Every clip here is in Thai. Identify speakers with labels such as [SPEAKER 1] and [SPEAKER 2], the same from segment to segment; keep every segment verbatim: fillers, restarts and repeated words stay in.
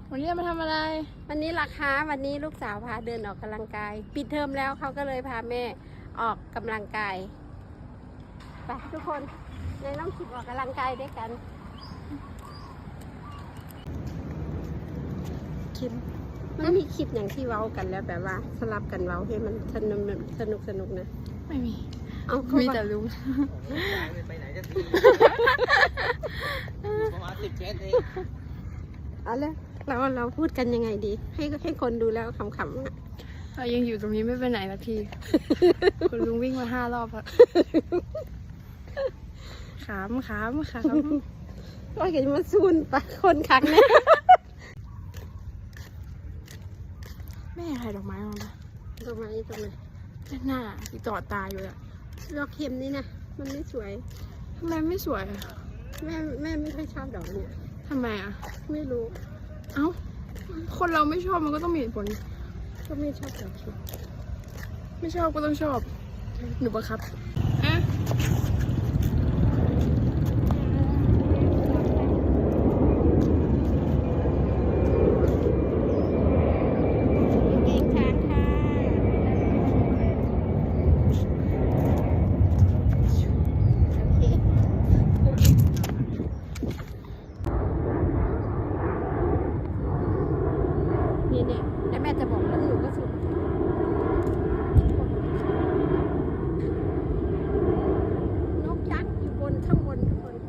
[SPEAKER 1] วันนี้มาทำอะไร
[SPEAKER 2] วันนี้ราคาวันนี้ลูกสาวพาเดินออกกำลังกายปิดเทอมแล้วเขาก็เลยพาแม่ออกกำลังกายไปทุกคนในน้องคิดออกกำลังกายด้วยกันคลิปมันมีคลิปอย่างที่เว้ากันแล้วแบบว่าสลับกันเว้าให้มันสนุกสนุกสนุกนะ
[SPEAKER 1] ไม่มี
[SPEAKER 2] เอา
[SPEAKER 1] มีแต่ลุง
[SPEAKER 3] ไปไหนจะทีประมาณสิบเจ็ดเอง
[SPEAKER 2] เอาเลยเราเราพูดกันยังไงดีให้ให้คนดูแล้วขำๆอ่ะ
[SPEAKER 1] เรายังอยู่ตรงนี้ไม่ไปไหนสักทีคุณลุงวิ่งมาห้ารอบแล้วขามขามขาม
[SPEAKER 2] ว่าเกิดมาซูนปะคนคักเนี่ย
[SPEAKER 1] แม่ใครดอกไม้มาปะ
[SPEAKER 2] ตรงไหนตรงไหน
[SPEAKER 1] หน้าที่ต่อตาอยู่อะ
[SPEAKER 2] ดอกเข็มนี่นะมันไม่สวย
[SPEAKER 1] ทำไมไม่สวย
[SPEAKER 2] แม่แม่ไม่ค่อยชอบดอกเนี่ย
[SPEAKER 1] ทำไมอะ
[SPEAKER 2] ไม่รู้
[SPEAKER 1] เอ้าคนเราไม่ชอบมันก็ต้องมีเหตุผล
[SPEAKER 2] ก็ไม่ชอบดอกเข็ม
[SPEAKER 1] ไม่ชอบก็ต้องชอบหนูบังคับอ่ะ
[SPEAKER 2] เนี่ยแล้วแม่จะบอกแล้วหนูก็สุดนกยักษ์อยู่บนข้างบนทุกคน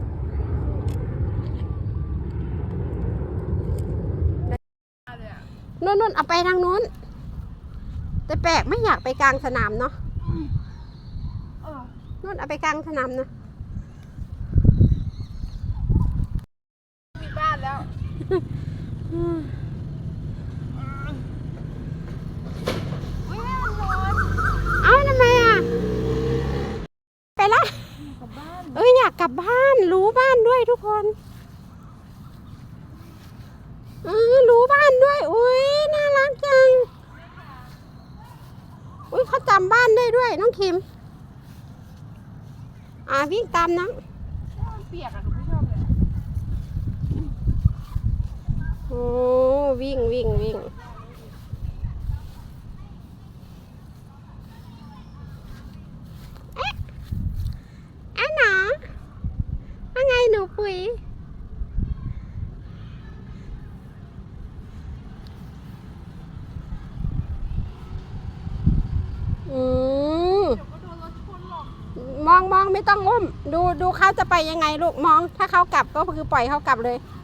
[SPEAKER 2] นู่นนู่นเอาไปทางนู้นแต่แปลกไม่อยากไปกลางสนามเนาะนู่นเอาไปกลางสนามนะ
[SPEAKER 1] มีบ้านแล้ว
[SPEAKER 2] เอาทำไมอ่ะไปละเอ้ยอยากกลับบ้านรู้บ้านด้วยทุกคนเออรู้บ้านด้วยอุ้ยน่ารักจังอุ้ยเขาจำบ้านได้ด้วยน้องคิมอ่าวิ่งตามน้อง
[SPEAKER 1] เปียกอะหนูไม่ชอบเลย
[SPEAKER 2] โอ้วิ่งวิ่งวิ่งหนูปุยอืมมองมองไม่ต้องอุ้มดูดูเขาจะไปยังไงลูกมองถ้าเขากลับก็คือปล่อยเขากลับเลย